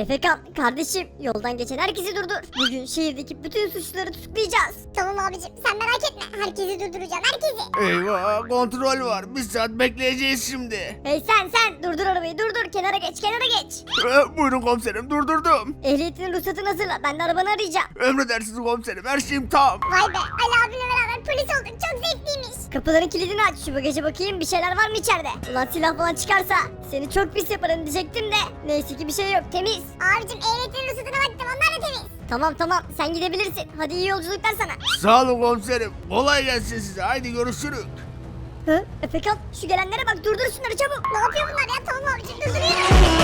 Efekan kardeşim yoldan geçen herkesi durdur. Bugün şehirdeki bütün suçluları tutuklayacağız. Tamam abicim sen merak etme. Herkesi durduracağım herkesi. Eyvah, kontrol var. Bir saat bekleyeceğiz şimdi. Hey sen durdur arabayı durdur, kenara geç. Buyurun komiserim, durdurdum. Ehliyetinin ruhsatını hazırla, ben de arabanı arayacağım. Emredersiniz komiserim, her şeyim tam. Vay be Ali abimle beraber polis olduk. Çok zevkliymiş. Kapıların kilidini aç, şu bagaja bakayım bir şeyler var mı içeride? Ulan silah falan çıkarsa seni çok pis yaparım diyecektim de. Neyse ki bir şey yok, temiz. Abicim ehliyetin ruhsatına baktım onlar da temiz. Tamam sen gidebilirsin. Hadi iyi yolculuklar sana. Sağ olun komiserim. Kolay gelsin size. Haydi görüşürüz. Hı? Efekan şu gelenlere bak, durdur şunları çabuk. Ne yapıyor bunlar ya? Tamam abicim durduruyorum.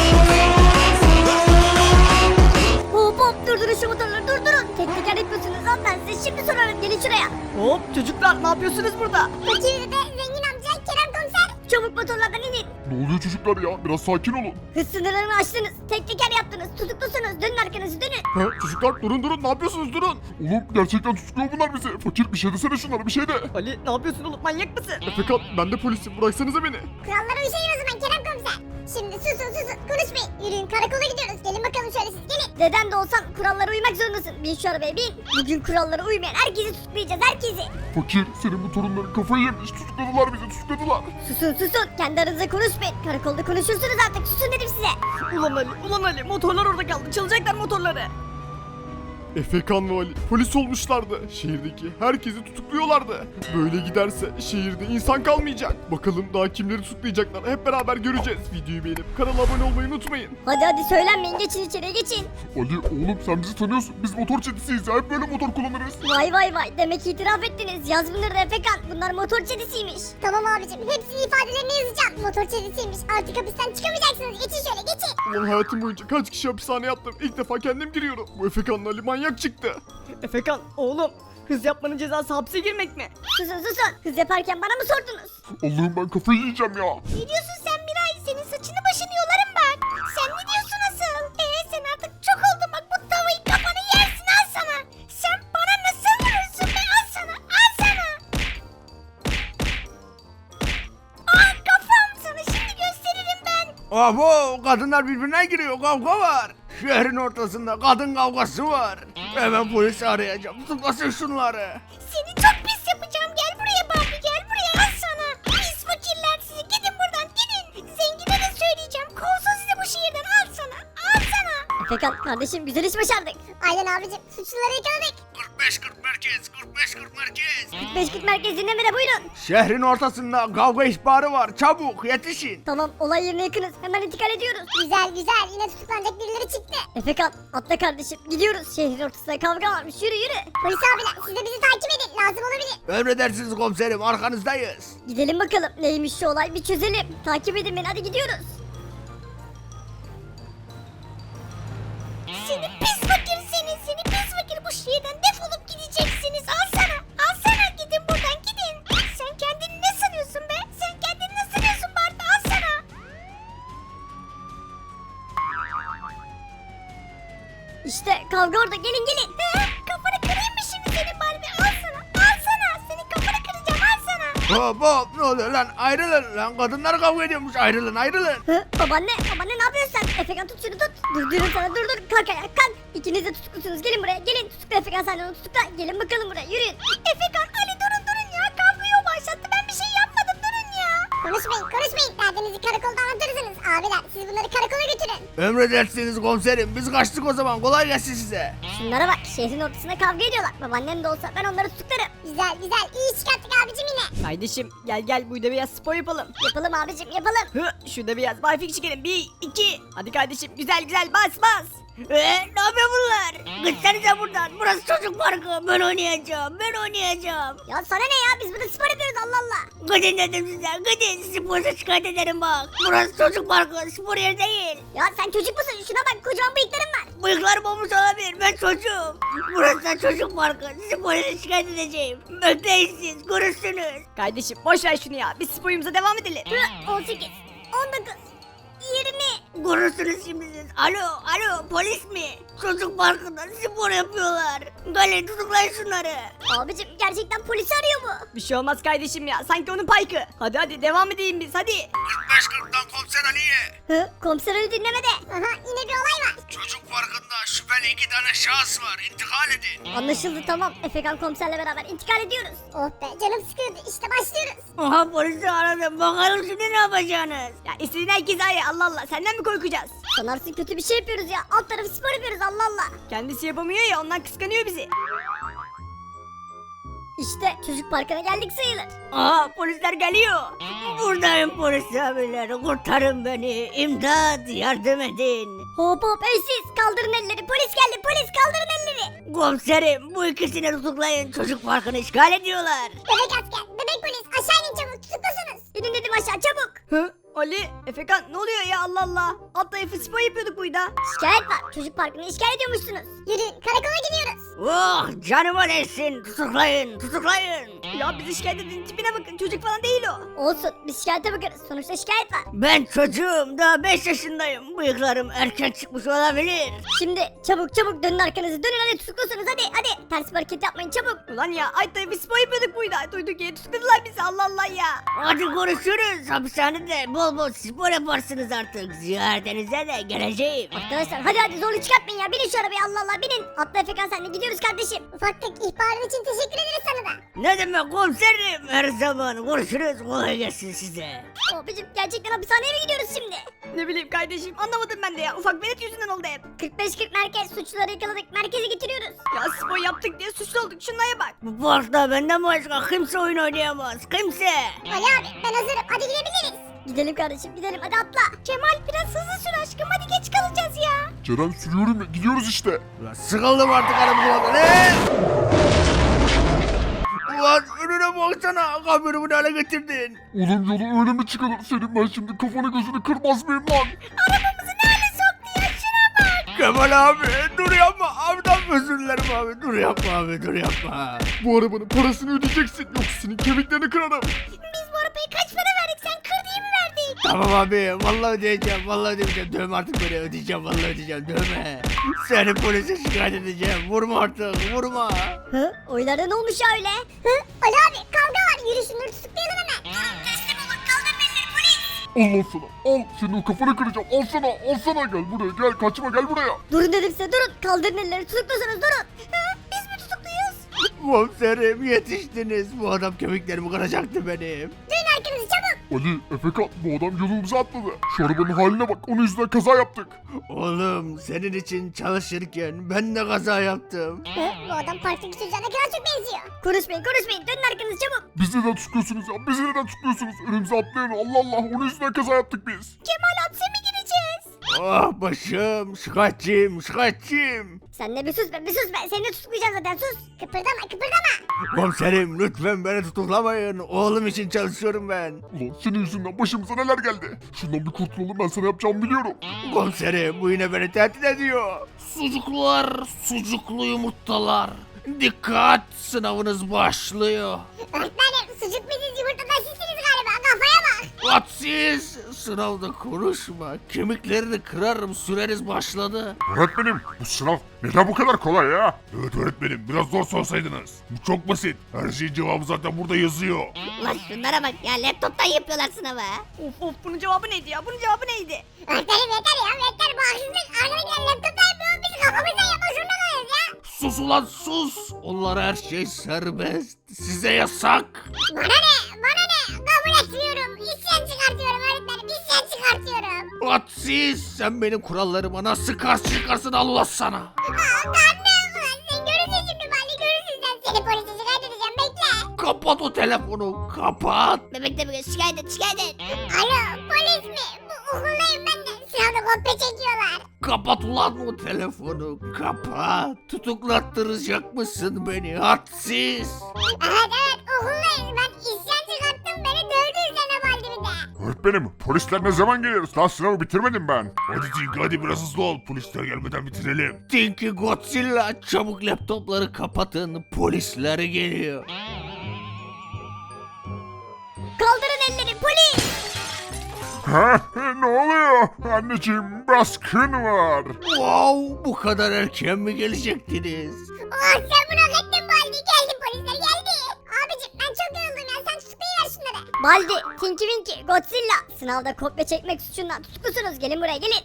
Hop durdurun şu motorları, durdurun. Tek teker yapıyorsunuz lan, ben size şimdi sorarım, gelin şuraya. Hop çocuklar ne yapıyorsunuz burada? Fakir de zengin amca Kerem komiser. Çabuk motorlardan inin. Ne oluyor çocuklar ya? Biraz sakin olun. Hız sınırlarını aştınız, tek teker yaptınız, tutuklusunuz, dönün arkanızı dönün. Ha, çocuklar durun ne yapıyorsunuz durun. Oğlum gerçekten tutukluyor bunlar bizi. Fakir bir şey desene şunlara bir şey de. Ali ne yapıyorsun oğlum manyak mısın? Efekan ben de polisim bıraksanıza beni. Kurallara uyuşayın o zaman Kerem komiser. Şimdi susun konuşmayın. Yürüyün karakola gidiyoruz. Gelin bakalım şöyle siz gelin. Deden de olsan kurallara uymak zorundasın. Bin şu arabaya bin. Bugün kurallara uymayan herkesi tutuklayacağız, herkesi. Fakir senin bu torunların kafayı yemiş. Tutukladılar bizi tutukladılar. Susun. Kendi aranızda konuşmayın. Karakolda konuşursunuz artık. Susun dedim size. Ulan Ali motorlar orada kaldı çalacaklar motorları. Efekan ve Ali polis olmuşlardı. Şehirdeki herkesi tutukluyorlardı. Böyle giderse şehirde insan kalmayacak. Bakalım daha kimleri tutuklayacaklar hep beraber göreceğiz. Videoyu beğenip kanala abone olmayı unutmayın. Hadi söylenmeyin, geçin içeriye geçin. Ali oğlum sen bizi tanıyorsun. Biz motor çetesiyiz ya. Hep böyle motor kullanırız. Vay demek itiraf ettiniz. Yaz bunları da Efekan. Bunlar motor çetesiymiş. Tamam abicim hepsini ifadelerini yazacağım. Motor çetesiymiş. Artık hapisten çıkamayacaksınız. Geçin şöyle geçin. Ulan hayatım boyunca kaç kişi hapishaneye yattım. İlk defa kendim giriyorum. Bu Efekan'la Ali manyak çıktı. Efekan oğlum hız yapmanın cezası hapse girmek mi? Susun. Hız yaparken bana mı sordunuz? Allah'ım ben kafayı yiyeceğim ya. Ne diyorsun sen Miray? Senin saçını başını yolarım ben. Sen ne diyorsun asıl? Sen artık çok oldun bak bu tavayı kafanı yersin al sana. Sen bana nasıl vurursun be al sana. Kafam sana şimdi gösteririm ben. Abo, kadınlar birbirine giriyor, kavga var. Şehrin ortasında kadın kavgası var. Hemen polisi arayacağım. Tutuklasın şunları. Seni çok pis yapacağım. Gel buraya Barbie gel buraya al sana. Pis fakirler sizi gidin buradan gidin. Zengine de söyleyeceğim. Kovsun sizi bu şehirden al sana. Al sana. Efekan kardeşim, güzel iş başardık. Aynen abicim suçluları yakaladık. 45-40 merkez, 45-40 merkez. 540 merkez dinlemede buyurun. Şehrin ortasında kavga ihbarı var. Çabuk yetişin. Tamam, olay yerine yakınız. Hemen intikal ediyoruz. Güzel yine tutuklanacak birileri çıktı. Efekan atla kardeşim, gidiyoruz. Şehrin ortasında kavga varmış, yürü. Polis abiler siz de bizi takip edin lazım olabilir. Emredersiniz komiserim, arkanızdayız. Gidelim bakalım, neymiş şu olay bir çözelim. Takip edin beni, hadi gidiyoruz. Seni pis fakir seni pis fakir bu şehirden defolup gideceksiniz al sana gidin buradan gidin. Sen kendini ne sanıyorsun be sen kendini ne sanıyorsun Barbie al sana. İşte kavga orada, gelin. Kafanı kırayım mı şimdi senin Barbie al sana senin kafanı kıracağım al sana. Hop ne oluyor lan, ayrılın lan, kadınlar kavga ediyormuş, ayrılın. Hı, babaanne ne yapıyorsun sen? Efekan tut şunu tut. Dur diyorum sana, dur kalk ayağa kalk. İkiniz de tutuklusunuz, gelin buraya gelin. Tutukla Efekan, sen de onu tutukla. Gelin bakalım buraya, yürüyün. Efekan Ali durun ya kavgayı o başlattı ben bir şey yapmadım durun ya. Konuşmayın derdinizi karakolda anlatırsınız abiler siz bunları karakola götürün. Emredersiniz komiserim, biz kaçtık o zaman, kolay gelsin size. Şunlara bak, şehrin ortasında kavga ediyorlar. Babaannem de olsa ben onları tutuklarım. Güzel iyi iş çıkarttık abicim yine. Kardeşim gel burada biraz spor yapalım. Yapalım abicim, yapalım. Şurada biraz barfik çekelim 1 2. Hadi kardeşim güzel bas. Ne yapıyor bunlar? Gitsenize buradan. Burası çocuk parkı. Ben oynayacağım. Ya sana ne ya, biz burada spor yapıyoruz, Allah Allah. Gidin dedim size. Gidin. Sizi şikayet ederim bak. Burası çocuk parkı. Spor yeri değil. Ya sen çocuk musun? Şuna bak, kocaman bıyıkların var. Bıyıklarım olmuş olabilir. Ben çocuğum. Burası da çocuk parkı. Sizi polise şikayet edeceğim. Bekleyin siz. Görürsünüz. Kardeşim boş ver şunu ya. Biz sporumuza devam edelim. 18, 19, 20. Görürsünüz şimdi siz. Alo polis mi? Çocuk parkında spor yapıyorlar. Galin tutuklayın şunları. Abicim gerçekten polisi arıyor bu. Bir şey olmaz kardeşim ya. Sanki onun paykı. Hadi devam edelim biz hadi. 45-40'dan komiser Ali'ye. Hı, komiser öyle dinlemede. Aha yine bir olay var. Çocuk 2 tane şahıs var. İntikal edin. Anlaşıldı tamam. Efekan komiserle beraber intikal ediyoruz. Oh be canım sıkıldı işte başlıyoruz. Oha polisi aradım. Bakalım şimdi ne yapacaksınız? Ya istediğin herkes ay Allah Allah. Senden mi korkacağız? Sanarsın kötü bir şey yapıyoruz ya. Alt tarafı spor yapıyoruz Allah Allah. Kendisi yapamıyor ya ondan kıskanıyor bizi. İşte çocuk parkına geldik sayılır. Aha polisler geliyor. Buradayım polis abiler. Kurtarın beni. İmdat yardım edin. Hop hop ey siz kaldırın elleri. Polis geldi polis kaldırın elleri. Komiserim bu ikisini tutuklayın. Çocuk parkını işgal ediyorlar. Bebek asker, bebek polis aşağı inin çabuk tutuklusunuz. İnin dedim aşağı çabuk. Hı? Ali, Efekan ne oluyor ya Allah Allah. Alt tarafı spor yapıyorduk burada. Şikayet var. Çocuk parkını işgal ediyormuşsunuz. Yürüyün karakola gidiyoruz. Oh canıma değsin. Tutuklayın tutuklayın. Ya bizi şikayet edin tipine bakın çocuk falan değil o. Olsun biz şikayete bakarız. Sonuçta şikayet var. Ben çocuğum daha 5 yaşındayım. Bıyıklarım erken çıkmış olabilir. Şimdi çabuk çabuk dönün arkanızı. Dönün hadi tutuklusunuz hadi. Ters bir hareket yapmayın çabuk. Ulan ya ay tarafı spor yapıyorduk burada. Duyduk ya tutukladılar bizi Allah Allah ya. Hadi görüşürüz. Hapishanede bol bol spor yaparsınız artık. Ziyaretinize de geleceğim. Arkadaşlar hadi zorluk çıkartmayın ya. Binin şu arabaya Allah Allah binin. Atla Efekan sen de gidiyoruz kardeşim. Ufaklık ihbarın için teşekkür ederiz sana da. Ne demek komiserim? Her zaman görüşürüz. Kolay gelsin size. Abicim gerçekten hapishaneye mi gidiyoruz şimdi? Ne bileyim kardeşim anlamadım ben de ya. Ufak velet yüzünden oldu hep. 45-40 merkez suçluları yakaladık. Merkeze getiriyoruz. Ya spor yaptık diye suçlu olduk. Şunlara bak. Bu parkta benden başka kimse oyun oynayamaz. Kimse. Ali abi ben hazırım hadi gidebiliriz. Gidelim kardeşim gidelim hadi atla. Kemal biraz hızlı sür aşkım hadi geç kalacağız ya. Ceren sürüyorum ya gidiyoruz işte. Ulan sıkıldım artık arabamdan. Ne? Ulan önüne baksana. Kamyonumu ne hale getirdin? Oğlum yolu öyle mi çıkılır? Senin ben şimdi kafanı gözünü kırmaz mıyım lan? Arabamızı ne hale soktu ya şuna bak. Kemal abi dur yapma. Abiden özür dilerim abi. Dur yapma abi dur yapma. Bu arabanın parasını ödeyeceksin. Yoksa senin kemiklerini kırarım. Biz bu arabayı kaç para verdik sen kır diye mi verdik? Tamam abi vallahi ödeyeceğim vallahi ödeyeceğim. Dövme artık beni ödeyeceğim vallahi ödeyeceğim dövme. Seni polise şikayet edeceğim. Vurma artık vurma. Hı? Oylarda ne olmuş ya öyle? Hı? Ali abi kavga var yürü şunları tutuklayalım hemen. Teslim olun kaldırın elleri polis. Allah sana. Al senin o kafanı kıracağım. Al sana. Al sana. Gel buraya gel. Kaçma gel buraya. Durun dedim size durun. Kaldırın elleri tutuklusunuz durun. Biz mi tutukluyuz? Komiserim yetiştiniz. Bu adam kemiklerimi kıracaktı benim. Dönün arkanızı çabuk. Ali, Efekan bu adam yolumuza atladı. Şu arabanın haline bak. Onun yüzünden kaza yaptık. Oğlum senin için çalışırken ben de kaza yaptım. Hı? Bu adam parktaki çocuğa ne kadar çok benziyor. Konuşmayın dönün arkanızı çabuk. Bizi neden tutuyorsunuz ya? Bizi neden tutuyorsunuz? Önümüze atlayın. Allah Allah. Onun yüzünden kaza yaptık biz. Kemal hapse mi gireceğiz? Ah başım şikayetçiyim. Sen de bir sus be seni de tutuklayacağım zaten sus. Kıpırdama. Komiserim lütfen beni tutuklamayın. Oğlum için çalışıyorum ben. Ulan senin yüzünden başımıza neler geldi. Şundan bir kurtulalım ben sana yapacağımı biliyorum. Komiserim bu yine beni tehdit ediyor. Sucuklar, sucuklu yumurtalar. Dikkat sınavınız başlıyor. Öğretmenim sucuk biziz yumurtadan sizsiniz galiba kafaya bak. Hadsiz sınavda konuşma. Kemiklerini kırarım süreniz başladı. Öğretmenim bu sınav neden bu kadar kolay ya? Evet öğretmenim biraz zor sorsaydınız. Bu çok basit. Her şeyin cevabı zaten burada yazıyor. Ulan şunlara bak ya laptoptan yapıyorlar sınavı. Of bunun cevabı neydi ya? Bunun cevabı neydi? Öğretmenim yeter bu haksızlık. Arkadakiler laptoptan yapıyor biz kafamızdan yapmak zorunda kalıyoruz ya. Sus ulan sus. Onlara her şey serbest. Size yasak. Bana ne kabul etmiyorum. İsyan çıkartıyorum öğretmenim isyan çıkartıyorum. Hadsiz sen benim kurallarıma nasıl karşı çıkarsın Allah sana. Karnım ulan sen görürsün şimdi bari görürsün sen. Seni polise şikayet edeceğim bekle. Kapat o telefonu kapat. Bebek de şikayet et. Alo polis mi? Bu okuldayım ben de. Sınavda kopya çekiyorlar. Kapat ulan o telefonu kapat. Tutuklattıracak mısın beni hadsiz. Evet okuldayız. Ben isyan çıkarttım beni dövdü Zeynep halde bir de. Öğretmenim polisler ne zaman geliyoruz? Daha sınavı bitirmedim ben. Hadi Tink hadi biraz hızlı ol. Polisler gelmeden bitirelim. Tinky Godzilla çabuk laptopları kapatın polisler geliyor. Kaldırın elleri polis. Ha? Ne oluyor? Anneciğim baskın var. Wow bu kadar erken mi gelecektiniz? Ulan sen bunu hak ettin bu halde. Geldi polisler geldi. Abicim ben çok yoruldum ya sen tutuklayıver şunları. Baldi, Tinky Winky, Godzilla. Sınavda kopya çekmek suçundan tutuklusunuz. Gelin buraya gelin.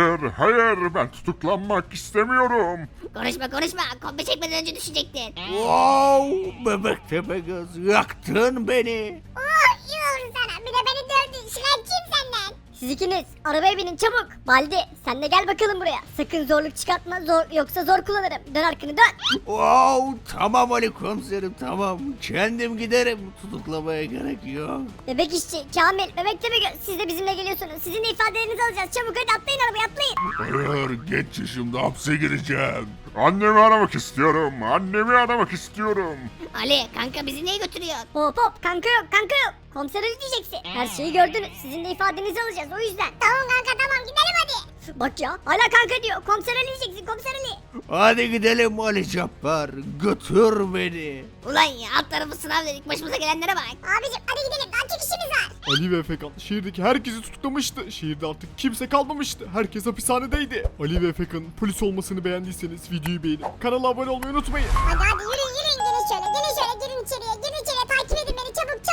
Hayır ben tutuklanmak istemiyorum. Konuşma kopya çekmeden önce düşecektin. Wow, bebek Tepegöz yaktın beni. Oh iyi olur sana bir de beni dövdün şikayetçiyim senden. Siz ikiniz arabaya binin çabuk. Baldi sen de gel bakalım buraya. Sakın zorluk çıkartma yoksa zor kullanırım. Dön arkanı dön. Wow, tamam Ali komiserim tamam. Kendim giderim. Tutuklamaya gerek yok. Bebek işçi, Kamil, bebek Tepegöz siz de bizimle geliyorsunuz. Sizin de ifadelerinizi alacağız. Çabuk hadi atlayın arabaya atlayın. Hayır genç yaşımda hapse gireceğim. Annemi aramak istiyorum. Annemi aramak istiyorum. Ali kanka bizi niye götürüyorsun? Hop hop kanka yok kanka yok. Komiser Ali diyeceksin. Her şeyi gördünüz. Sizin de ifadenizi alacağız o yüzden. Tamam kanka tamam gidelim hadi. Bak ya hala kanka diyor. Komiser Ali diyeceksin komiser Ali. Hadi gidelim Ali Cabbar. Götür beni. Ulan ya alt tarafı sınav dedik başımıza gelenlere bak. Abicim hadi gidelim daha çok işimiz var. Ali ve Efekan şehirdeki herkesi tutuklamıştı. Şehirde artık kimse kalmamıştı. Herkes hapishanedeydi. Ali ve Efekan'ın polis olmasını beğendiyseniz videoyu beğenip kanala abone olmayı unutmayın. Hadi yürüyün gelin şöyle girin içeriye takip edin beni çabuk.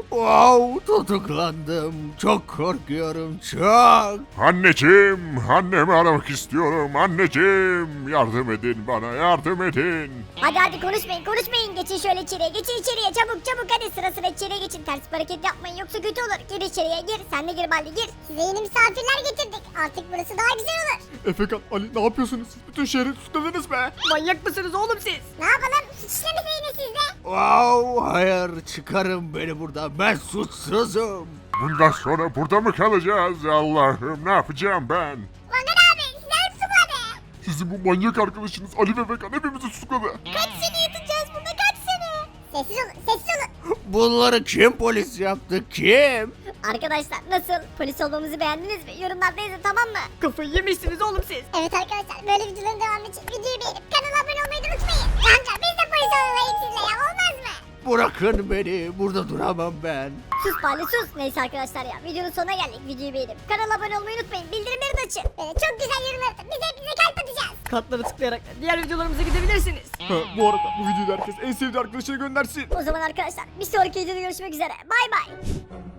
Wow, tutuklandım. Çok korkuyorum çok. Anneciğim, annemi aramak istiyorum. Anneciğim, yardım edin bana, yardım edin. Hadi konuşmayın. Geçin şöyle içeriye. Geçin içeriye çabuk hadi sıra içeriye geçin. Ters bir hareket yapmayın yoksa kötü olur. Gir içeriye gir. Sen de gir Baldi gir. Size yeni misafirler getirdik artık burası daha güzel olur. Efekan, Ali ne yapıyorsunuz? Bütün şehri tutukladınız be. Manyak mısınız oğlum siz? Ne yapalım suç işlemeseydiniz siz de. Wow, hayır çıkarın beni buradan. Ben suçsuzum. Bundan sonra burada mı kalacağız? Allah'ım ne yapacağım ben? Bakın abi sizler tutukladı. Sizin bu manyak arkadaşınız Ali ve Efekan hepimizi tutukladı. Kaç sene yatacağız burada kaç sene? Sessiz olun. Bunları kim polis yaptı kim? Arkadaşlar nasıl? Polis olmamızı beğendiniz mi? Yorumlarda yazın tamam mı? Kafayı yemişsiniz oğlum siz. Evet arkadaşlar böyle videoların devamı için videoyu beğenip kanala abone olmayı da unutmayın. Kanka biz de polis olalım sizle ya olmaz mı? Bırakın beni. Burada duramam ben. Sus Baldi sus. Neyse arkadaşlar ya videonun sonuna geldik. Videoyu beğenip kanala abone olmayı unutmayın. Bildirimleri de açın. Böyle çok güzel yorum atın biz hepinize kalp atacağız. Kartları tıklayarak diğer videolarımıza gidebilirsiniz. Ha, bu arada bu videoyu da herkes en sevdiği arkadaşına göndersin. O zaman arkadaşlar bir sonraki videoda görüşmek üzere. Bay bay.